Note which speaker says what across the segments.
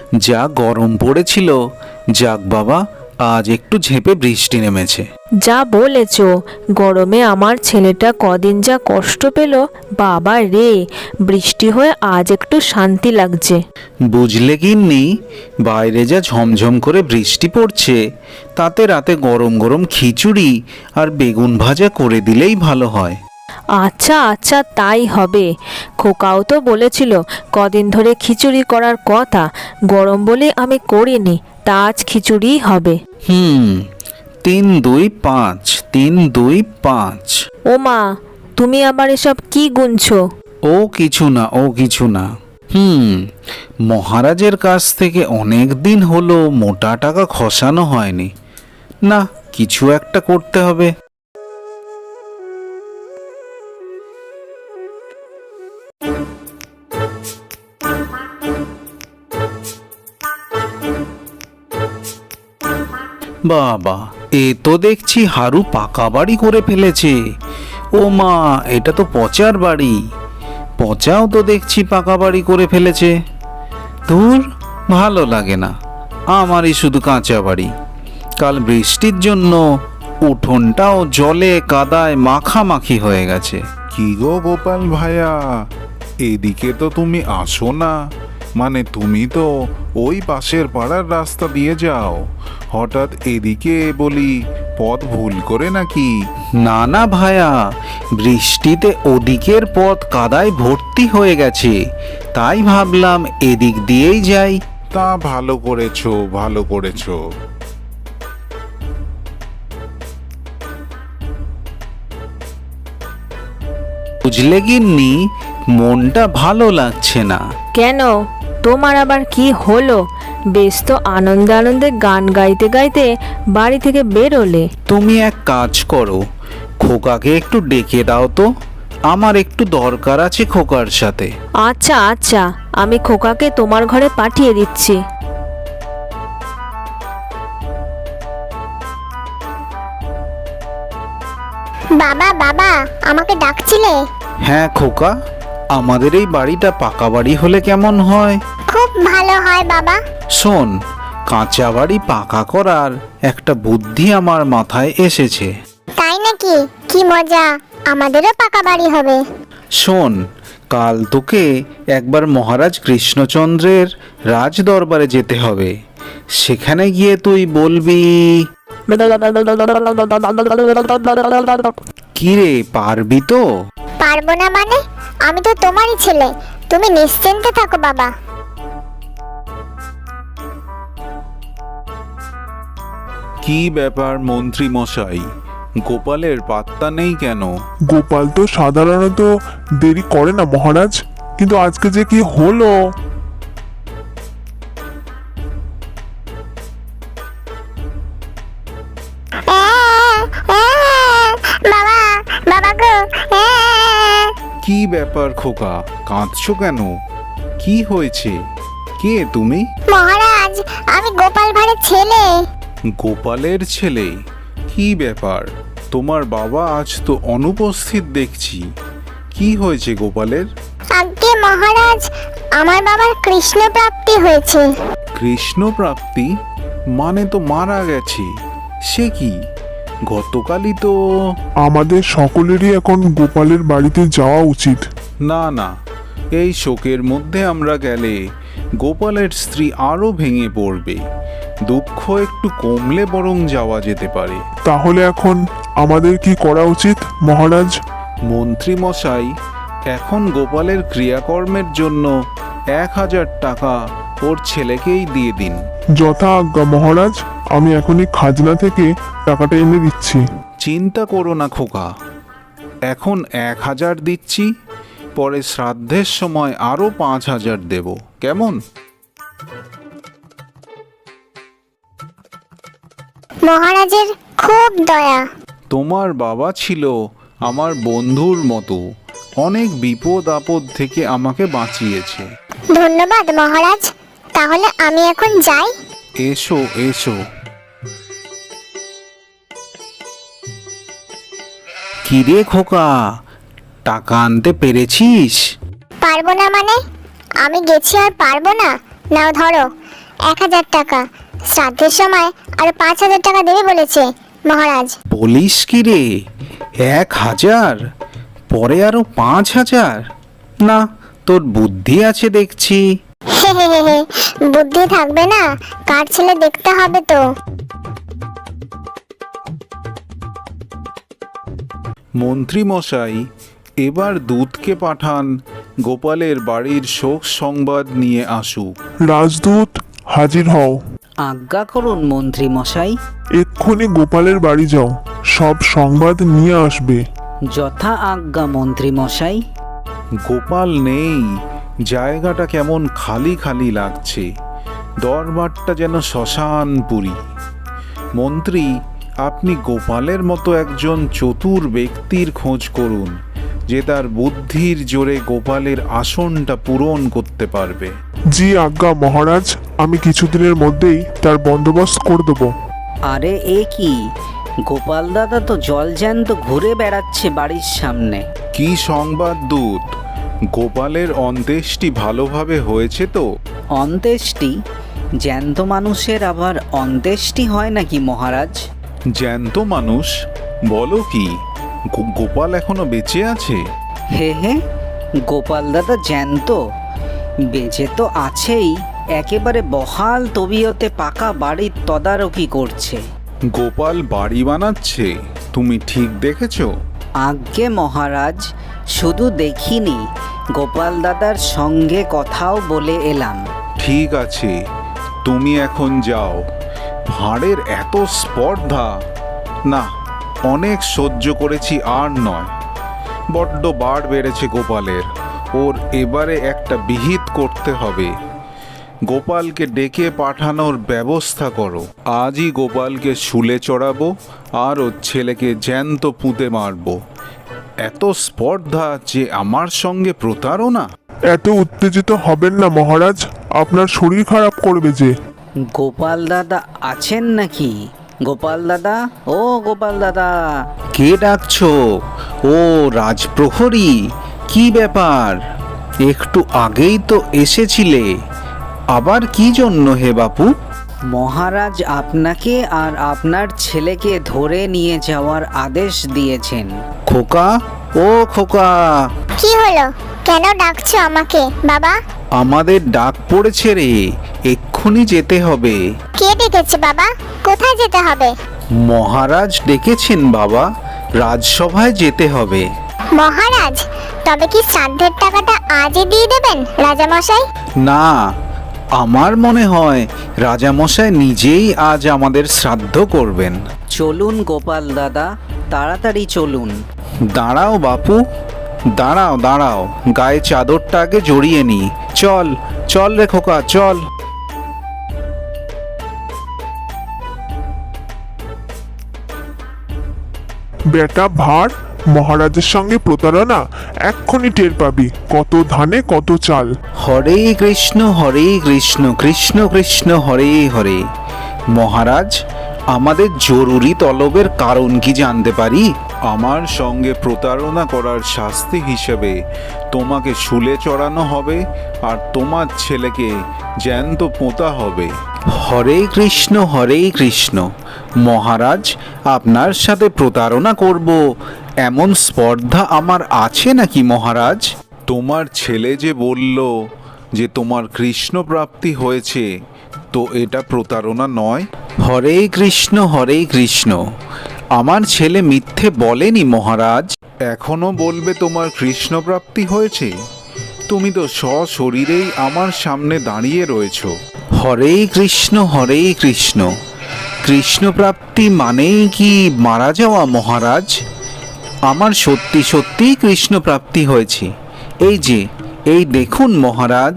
Speaker 1: যা গরম পড়েছিল, যাক বাবা, আজ একটু ঝেঁপে বৃষ্টি নেমেছে।
Speaker 2: যা বলেছ, গরমে আমার ছেলেটা কদিন যা কষ্ট পেল, বাবা রে, বৃষ্টি হয়ে আজ একটু শান্তি লাগছে।
Speaker 1: বুঝলে গিন্নি, বাইরে যা ঝমঝম করে বৃষ্টি পড়ছে, তাতে রাতে গরম গরম খিচুড়ি আর বেগুন ভাজা করে দিলেই ভালো হয়।
Speaker 2: আচ্ছা আচ্ছা, তাই হবে। খোকাও তো বলেছিল কদিন ধরে খিচুড়ি করার কথা, গরম বলে আমি করিনি, তা আজ খিচুড়িই হবে।
Speaker 1: 3, 2, 5, 3, 2, 5।
Speaker 2: ও মা, তুমি আবার এসব কি গুনছো?
Speaker 1: ও কিছু না, ও কিছু না। মহারাজের কাছ থেকে অনেক দিন হলো মোটা টাকা খসানো হয়নি, না কিছু একটা করতে হবে। বাবা, এ তো দেখছি হারু পাকা বাড়ি করে ফেলেছে। ও মা, এটা তো পচার বাড়ি। পচাও তো দেখছি পাকা বাড়ি করে ফেলেছে। ধুর, ভালো লাগে না, আমারই শুধু কাঁচা বাড়ি। কাল বৃষ্টির জন্য উঠোনটাও জলে কাদায় মাখামাখি হয়ে গেছে।
Speaker 3: কি গো গোপাল ভাইয়া, এদিকে তো তুমি আসো না। মানে তুমি তো ওই পাশের পাড়ার রাস্তা দিয়ে যাও, হঠাৎ এদিকে বলি পথ ভুল করে নাকি?
Speaker 1: না না ভায়া, বৃষ্টিতে ওদিকের পথ কাদায় ভর্তি হয়ে গেছে, তাই ভাবলাম এদিক দিয়েই যাই।
Speaker 3: তা ভালো করেছো, ভালো করেছো।
Speaker 1: বুঝলে গিন্নি, মনটা ভালো লাগছে না।
Speaker 2: কেন, তোমার আবার কি হলো? বেশ তো আনন্দে আনন্দে গান গাইতে গাইতে বাড়ি থেকে বেরোলে।
Speaker 1: তুমি এক কাজ করো, খোকাকে একটু ডেকে দাও তো, আমার একটু দরকার আছে খোকার সাথে।
Speaker 2: আচ্ছা আচ্ছা, আমি খোকাকে তোমার ঘরে পাঠিয়ে দিচ্ছি।
Speaker 4: বাবা বাবা, আমাকে ডাকছিলে?
Speaker 1: হ্যাঁ খোকা, আমাদের এই বাড়িটা পাকা বাড়ি হলে কেমন হয়?
Speaker 4: খুব ভালো হয় বাবা।
Speaker 1: শোন, কাঁচা বাড়ি পাকা করার একটা বুদ্ধি আমার মাথায় এসেছে।
Speaker 4: তাই নাকি? কি মজা, আমাদেরও পাকা বাড়ি হবে।
Speaker 1: শোন, কাল তোকে একবার মহারাজ কৃষ্ণচন্দ্রের রাজ দরবারে যেতে হবে। সেখানে গিয়ে তুই বলবি, কিরে পারবি তো?
Speaker 4: পারবো না মানে? আমি তো তোমারই ছেলে, তুমি নিশ্চিন্তে থাকো বাবা।
Speaker 3: কি ব্যাপার মন্ত্রী মশাই, গোপালের পাত্তা নেই কেন?
Speaker 5: গোপাল তো সাধারণত দেরি করে না মহারাজ, কিন্তু আজকে যে কি হলো!
Speaker 4: বাবা, বাবা গো।
Speaker 3: কি ব্যাপার খোকা, কাঁদছো কেন? কি হয়েছে? কে তুমি?
Speaker 4: মহারাজ, আমি গোপাল ভাঁড়ের ছেলে।
Speaker 3: গোপালের ছেলে? কি ব্যাপার, তোমার বাবা আজ তো অনুপস্থিত দেখছি। কি হয়েছে গোপালের?
Speaker 4: আজ্ঞে মহারাজ, আমার বাবার কৃষ্ণ প্রাপ্তি হয়েছে।
Speaker 3: কৃষ্ণ প্রাপ্তি? মানে তো মারা গেছে। সে কি, গতকালই তো।
Speaker 5: আমাদের সকলেরই এখন গোপালের বাড়িতে যাওয়া উচিত।
Speaker 3: না না, এই শোকের মধ্যে আমরা গেলে গোপালের স্ত্রী আরো ভেঙে পড়বে। দুঃখ একটু কমলে বরং যাওয়া যেতে পারে।
Speaker 5: তাহলে এখন আমাদের কি করা উচিত মহারাজ?
Speaker 3: মন্ত্রী মশাই, এখন গোপালের ক্রিয়াকর্মের জন্য 1000 টাকা ওর ছেলেকেই দিয়ে দিন।
Speaker 5: যথা আজ্ঞা মহারাজ, আমি এখনই খাজনা থেকে টাকাটা এনে দিচ্ছি।
Speaker 3: চিন্তা করো না খোকা, এখন 1000 দিচ্ছি, পরে শ্রাদ্ধের সময় আরো 5000 দেব, কেমন?
Speaker 4: মহারাজের খুব দয়া।
Speaker 3: তোমার বাবা ছিল আমার বন্ধুর মতো, অনেক বিপদ আপদ থেকে আমাকে বাঁচিয়েছে।
Speaker 4: ধন্যবাদ মহারাজ, তাহলে আমি এখন যাই।
Speaker 3: এসো এসো।
Speaker 1: কিরে খোকা, টাকা আনতে পেরেছিস?
Speaker 4: পারবো না মানে? আমি গেছি আর পারবো না? নাও ধরো, 1000 টাকা। শ্রাদ্ধের সময় আরো 5000 টাকা দেবে বলেছে মহারাজ।
Speaker 1: বলিস কি রে, 1000, পরে আরো 5000? না, তোর বুদ্ধি আছে দেখছি।
Speaker 4: বুদ্ধি থাকবে না, কার ছেলে দেখতে হবে তো।
Speaker 3: মন্ত্রী মশাই, এবার দূতকে পাঠান গোপালের বাড়ির শোক সংবাদ নিয়ে আসুক।
Speaker 5: রাজদূত হাজির হও।
Speaker 6: আজ্ঞা করুন মন্ত্রী মশাই।
Speaker 5: এক্ষুনি গোপালের বাড়ি যাও, সব সংবাদ নিয়ে আসবে।
Speaker 6: যথা আজ্ঞা মন্ত্রী মশাই।
Speaker 3: গোপাল নেই, জায়গাটা কেমন খালি খালি লাগছে, দরবারটা যেন শ্মশানপুরী। মন্ত্রী, আপনি গোপালের মতো একজন চতুর ব্যক্তির খোঁজ করুন, যে তার বুদ্ধির জোরে গোপালের আসনটা পূরণ করতে পারবে।
Speaker 5: জি আজ্ঞা মহারাজ, আমি কিছুদিনের মধ্যেই তার বন্দোবস্ত করে দেবো।
Speaker 6: আরে এ কি, গোপাল দাদা তো জলজ্যান্ত ঘুরে বেড়াচ্ছে বাড়ির সামনে।
Speaker 3: কি সংবাদ দূত? গোপালের অন্ত্যেষ্টি ভালোভাবে হয়েছে তো?
Speaker 6: অন্ত্যেষ্টি? জ্যান্ত মানুষের আবার অন্ত্যেষ্টি হয় নাকি মহারাজ?
Speaker 3: জ্যান্ত মানুষ? বলো কি, গোপাল এখনো বেঁচে আছে?
Speaker 6: হে হে, গোপাল দাদা জ্যান্ত? বেঁচে তো আছেই, একেবারে বহাল তবিয়তে পাকা বাড়ির তদারকি করছে।
Speaker 3: গোপাল বাড়ি বানাচ্ছে? তুমি ঠিক দেখেছো?
Speaker 6: আজ্ঞে মহারাজ, শুধু দেখিনি, গোপাল দাদার সঙ্গে কথাও বলে এলাম।
Speaker 3: ঠিক আছে, তুমি এখন যাও। ভাঁড়ের এত স্পর্ধা, না, অনেক সহ্য করেছি, আর নয়। বড্ড বাড় বেড়েছে গোপালের, ওর এবারে একটা বিহিত করতে হবে। গোপালকে ডেকে পাঠানোর ব্যবস্থা করো। আজই গোপালকে শুলে চড়াবো আর ওর ছেলেকে জ্যান্ত পুঁতে মারবো। এত স্পর্ধা যে আমার সঙ্গে প্রতারণা!
Speaker 5: এত উত্তেজিত হবেন না মহারাজ, আপনার শরীর খারাপ করবে যে।
Speaker 6: গোপাল দাদা আছেন নাকি? গোপাল দাদা, ও গোপাল দাদা।
Speaker 1: কে ডাকছো? ও রাজপ্রহরী, কি ব্যাপার? একটু আগেই তো এসেছিলে, আবার কি জন্য হে বাপু?
Speaker 6: মহারাজ আপনাকে আর আপনার ছেলেকে ধরে নিয়ে যাওয়ার আদেশ দিয়েছেন।
Speaker 1: খোকা, ও খোকা,
Speaker 4: কি হলো? কেন ডাকছো আমাকে বাবা?
Speaker 1: আমাদের ডাক পড়েছে রে, এক্ষুনি যেতে হবে।
Speaker 4: কে ডেকেছে বাবা? কোথায় যেতে হবে?
Speaker 1: মহারাজ ডেকেছেন বাবা, রাজসভায় যেতে হবে।
Speaker 4: মহারাজ, তবে কি শ্রাদ্ধের টাকাটা আজই দিয়ে দেবেন রাজামশাই?
Speaker 1: না, আমার মনে হয় রাজামশাই নিজেই আজ আমাদের শ্রাদ্ধ করবেন।
Speaker 6: চলুন গোপাল দাদা, তাড়াতাড়ি চলুন।
Speaker 1: দাঁড়াও বাপু, দাঁড়াও দাঁড়াও, গায়ে চাদরটা আগে জড়িয়ে নি। চল চল রে খোকা, চল।
Speaker 5: বেটা ভাঁড়, মহারাজের সঙ্গে প্রতারণা এক্ষুনি টের পাবি। কত ধানে কত চাল।
Speaker 1: হরে কৃষ্ণ কৃষ্ণ কৃষ্ণ হরে হরে। মহারাজ, আমাদের জরুরি তলবের কারণ কি জানতে পারি?
Speaker 3: আমার সঙ্গে প্রতারণা করার শাস্তি হিসেবে তোমাকে শুলে চড়ানো হবে আর তোমার ছেলেকে জ্যান্ত পোঁতা হবে।
Speaker 1: হরে কৃষ্ণ। মহারাজ, আপনার সাথে প্রতারণা করব এমন স্পর্ধা আমার আছে নাকি মহারাজ?
Speaker 3: তোমার ছেলে যে বলল যে তোমার কৃষ্ণ প্রাপ্তি হয়েছে, তো এটা প্রতারণা নয়?
Speaker 1: হরে কৃষ্ণ, আমার ছেলে মিথ্যে বলেনি মহারাজ।
Speaker 3: এখনো বলবে তোমার কৃষ্ণ প্রাপ্তি হয়েছে? তুমি তো সশরীরেই আমার সামনে দাঁড়িয়ে রয়েছো।
Speaker 1: হরে কৃষ্ণ, কৃষ্ণপ্রাপ্তি মানেই কি মারা যাওয়া মহারাজ? আমার সত্যি সত্যি কৃষ্ণপ্রাপ্তি হয়েছে, এই যে, এই দেখুন মহারাজ।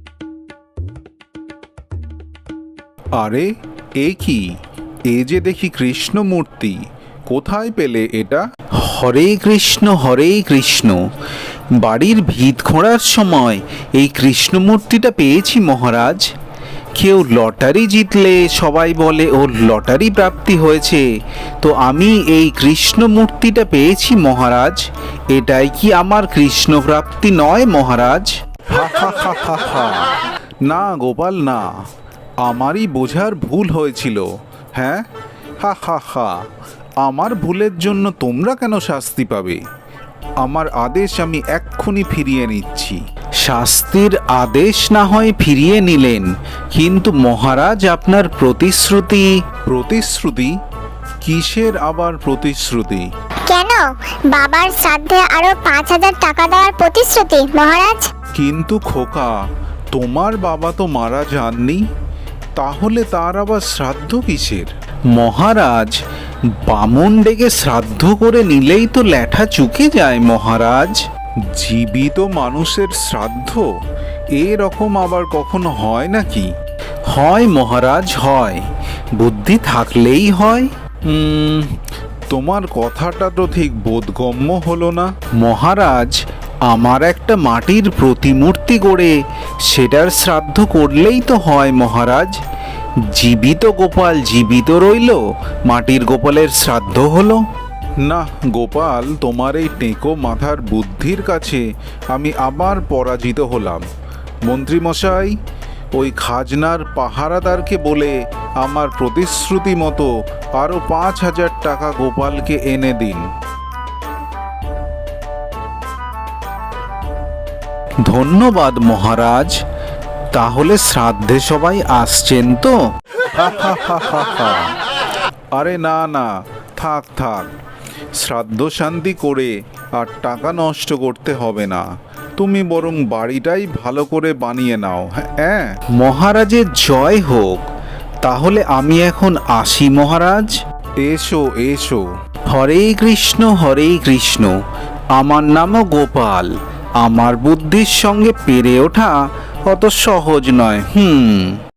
Speaker 3: আরে এ কি, এ যে দেখি কৃষ্ণ মূর্তি, কোথায় পেলে এটা?
Speaker 1: হরে কৃষ্ণ, বাড়ির ভিত খোঁড়ার সময় এই কৃষ্ণ মূর্তিটা পেয়েছি মহারাজ। কেউ লটারি জিতলে সবাই বলে ওর লটারি প্রাপ্তি হয়েছে, তো আমি এই কৃষ্ণ মূর্তিটা পেয়েছি মহারাজ। এটাই কি আমার কৃষ্ণ প্রাপ্তি নয় মহারাজ?
Speaker 3: হা হা হা হা হা। না গোপাল, না, আমারই বোঝার ভুল হয়েছিল। হ্যাঁ, হা হা হা। আমার ভুলের জন্য তোমরা কেন শাস্তি পাবে? আমার আদেশ আমি এক্ষুনি ফিরিয়ে নিচ্ছি।
Speaker 1: শাস্তির আদেশ না হয় ফিরিয়ে নিলেন, কিন্তু মহারাজ আপনার প্রতিশ্রুতি।
Speaker 3: প্রতিশ্রুতি? কিসের আবার প্রতিশ্রুতি?
Speaker 4: কেন, বাবার শ্রাদ্ধে আরো 5,000 টাকা দেওয়ার প্রতিশ্রুতি মহারাজ।
Speaker 3: কিন্তু খোকা, তোমার বাবা তো মারা যাননি, তাহলে তার আবার শ্রাদ্ধ কিসের?
Speaker 1: মহারাজ, বামুন ডেকে শ্রাদ্ধ করে নিলেই তো ল্যাঠা চুকে যায় মহারাজ।
Speaker 3: জীবিত মানুষের শ্রাদ্ধ এরকম আবার কখনো হয় নাকি?
Speaker 1: হয় মহারাজ, হয়। বুদ্ধি থাকলেই হয়।
Speaker 3: তোমার কথাটা তো ঠিক বোধগম্য হলো না।
Speaker 1: মহারাজ, আমার একটা মাটির প্রতিমূর্তি গড়ে সেটার শ্রাদ্ধ করলেই তো হয় মহারাজ। জীবিত গোপাল জীবিত রইল, মাটির গোপালের শ্রাদ্ধ হলো।
Speaker 3: না গোপাল, তোমার এই টেকো মাথার বুদ্ধির কাছে আমি আবার পরাজিত হলাম। মন্ত্রীমশাই, ওই খাজনার পাহারাদারকে বলে আমার প্রতিশ্রুতি মতো আরও 5,000 টাকা গোপালকে এনে দিন।
Speaker 1: ধন্যবাদ মহারাজ। তাহলে শ্রাদ্ধে সবাই আসছেন তো?
Speaker 3: আরে না না, থাক থাক। শ্রাদ্ধ শান্তি করে আর টাকা নষ্ট করতে হবে না। তুমি বরং বাড়িটাই ভালো করে বানিয়ে নাও। হ্যাঁ,
Speaker 1: মহারাজের জয় হোক। তাহলে আমি এখন আসি মহারাজ।
Speaker 3: এসো এসো।
Speaker 1: হরে কৃষ্ণ হরে কৃষ্ণ। আমার নামও গোপাল। আমার বুদ্ধির সঙ্গে পেরে ওঠা অত সহজ নয়।